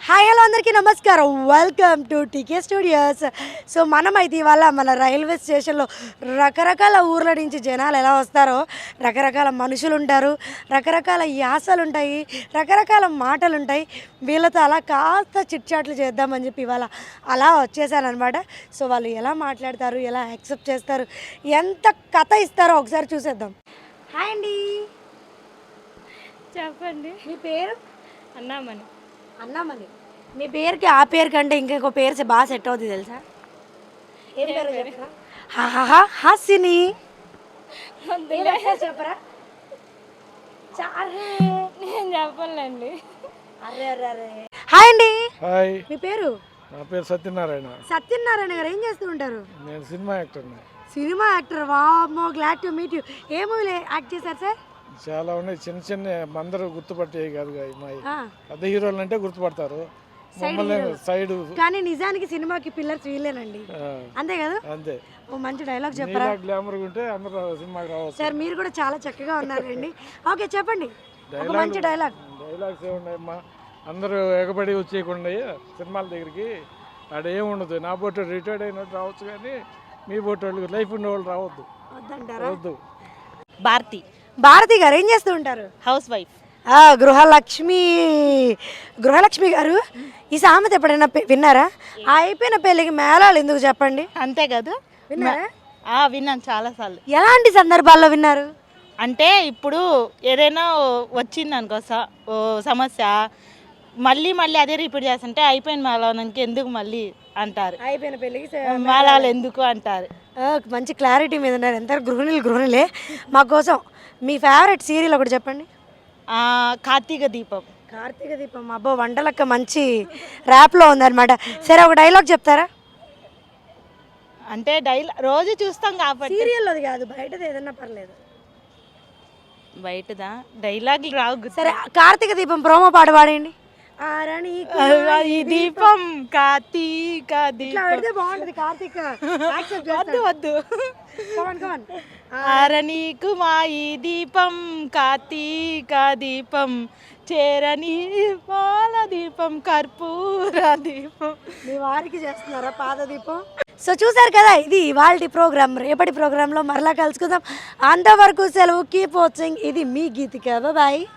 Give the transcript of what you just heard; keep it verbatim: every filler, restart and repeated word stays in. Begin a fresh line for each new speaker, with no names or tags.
Hi hello అందరికీ నమస్కారం. Welcome to TK studios. So మనమైతే ఇవాళ మన రైల్వే స్టేషన్లో రకరకాల ఊర్ల నుంచి జనాలు ఎలా వస్తారో, రకరకాల మనుషులు ఉంటారు, రకరకాల యాసలు ఉంటాయి, రకరకాల మాటలు ఉంటాయి. వీళ్ళతో అలా కాస్త చిట్చాట్లు చేద్దామని చెప్పి ఇవాళ అలా వచ్చేసాను అనమాట. సో వాళ్ళు ఎలా మాట్లాడతారు, ఎలా యాక్సెప్ట్ చేస్తారు, ఎంత కథ ఇస్తారో ఒకసారి చూసేద్దాం. హాయ్ అండి,
చెప్పండి.
మీ పేరు?
అన్నామని.
అన్నామని. మీ పేరుకి ఆ పేరు కంటే ఇంకొక పేరు బాగా సెట్ అవుతుంది తెలుసా? ఏం పేరు చెప్పరా? హాహా హాసిని. చెప్పరా?
నేను చెప్పాలండి.
అరే అరే అరే. హాయ్ అండి.
హాయ్.
మీ పేరు?
నా పేరు సత్యనారాయణ.
సత్యనారాయణ గారు ఏం చేస్తూ ఉంటారు?
నేను సినిమా యాక్టర్.
Cinema actor. వామ్మో, గ్లాడ్ టు మీట్ యూ. ఏ మూవీలో యాక్ట్ చేశారు సార్?
చాలా ఉన్నాయి, చిన్న చిన్న అందరూ గుర్తుపట్టేవి కాదు. అమ్మాయి పెద్ద హీరోలు అంటే గుర్తుపడతారు, మమ్మల్ని సైడ్.
కానీ నిజానికి సినిమాకి పిల్లర్స్ వీళ్ళేనండి, అంతే కదా?
అంతే.
ఓ మంచి డైలాగ్ చెప్పరా?
గ్లామర్ ఉంటే అందరూ సినిమాకి రావచ్చు.
సార్ మీరు కూడా చాలా చక్కగా ఉన్నారండి. ఓకే చెప్పండి, ఒక మంచి డైలాగ్.
డైలాగ్స్ ఏమున్నాయమ్మా, అందరూ ఎగబడి వచ్చేయకుండా సినిమాల దగ్గరికి ఆడ ఏముండదు. నా బోటు రిటైర్డ్ అయినట్టు రావచ్చు, కానీ మీ బోటు వాళ్ళు లైఫ్ ఉన్న వాళ్ళు రావద్దు.
వద్దంటారా?
వద్దు.
భారతి.
భారతి గారు ఏం చేస్తూ ఉంటారు?
House wife.
గృహలక్ష్మి. గృహలక్ష్మి గారు, ఈ సామెత ఎప్పుడైనా విన్నారా? అయిపోయిన పెళ్ళికి మేళాలు ఎందుకు చెప్పండి?
అంతే కదా,
విన్నారా?
విన్నాను చాలాసార్లు.
ఎలాంటి సందర్భాల్లో విన్నారు?
అంటే ఇప్పుడు ఏదైనా వచ్చింది అనుకో సమస్య, మళ్ళీ మళ్ళీ అదే రిపీట్ చేస్తుంటే అయిపోయిన మేళానికి ఎందుకు మళ్ళీ అంటారు,
అయిపోయిన పెళ్ళికి
మేళాలు ఎందుకు అంటారు.
మంచి క్లారిటీ మీద ఉన్నారు. ఎంత గృహిణులు గృహిణులే. మా కోసం మీ ఫేవరెట్ సీరియల్ ఒకటి చెప్పండి.
కార్తీక దీపం.
కార్తీక దీపం. అబ్బో, వంటలక్క మంచి ర్యాప్లో ఉందన్నమాట. సరే, ఒక డైలాగ్ చెప్తారా?
అంటే డైలాగ్ రోజు చూస్తాం కాబట్టి.
సీరియల్లోది కాదు, బయటది ఏదన్నా పర్లేదు.
బయటదా డైలాగులు రావు.
సరే, కార్తీక దీపం ప్రోమో పాట పాడండి.
ఈ దీపం కార్తీక దీపం
బాగుంటది. కార్తీక
వద్దు వద్దు. ఆరణీకు మా ఈ దీపం కార్తీక దీపం, చేరని పాల దీపం కర్పూర దీపం.
మీ వారికి చేస్తున్నారా పాద దీపం? సో చూసారు కదా, ఇది ఇవాల్టి ప్రోగ్రామ్. రేపటి ప్రోగ్రాంలో మరలా కలుసుకుందాం. అంతవరకు సెలవు. Keep watching. ఇది మీ గీతిక. బాయ్.